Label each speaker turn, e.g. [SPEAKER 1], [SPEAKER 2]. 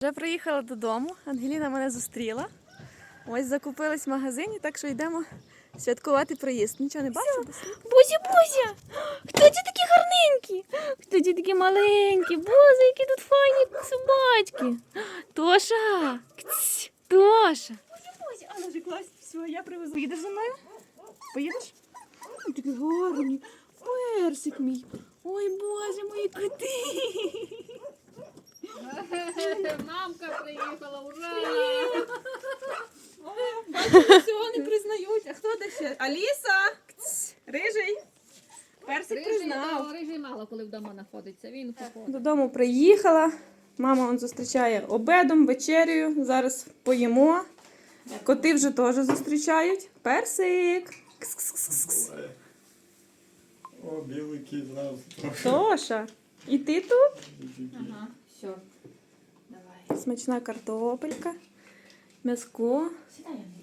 [SPEAKER 1] Вже приїхала додому, Ангеліна мене зустріла. Ось закупились в магазині, так що йдемо святкувати приїзд. Нічого не бачу?
[SPEAKER 2] Бузя, Бузя! Хто ці такі гарненькі? Хто ці такі маленькі? Боже, які тут файні собачки. Тоша! Кць, Тоша!
[SPEAKER 1] Бузя, але вже класно, все, я привезу. Поїдеш зі мною? Поїдеш? Ой, такий гарний. Персик мій. Ой, Боже, мої коти.
[SPEAKER 3] Мамка приїхала, ура!
[SPEAKER 1] Всього не признають. А хто де ще? Аліса! Рижий. Персик признав.
[SPEAKER 3] Рижий мало коли вдома знаходиться, він походить.
[SPEAKER 1] Додому приїхала. Мама он зустрічає обедом, вечерею. Зараз поїмо. Коти вже теж зустрічають. Персик. Кс-кс-кс-кс.
[SPEAKER 4] О, білий кіт нас.
[SPEAKER 1] Тоша. І ти тут?
[SPEAKER 3] Ага, все. Давай.
[SPEAKER 1] Смачна картопелька. М'яско.
[SPEAKER 3] Сідай, Андрій.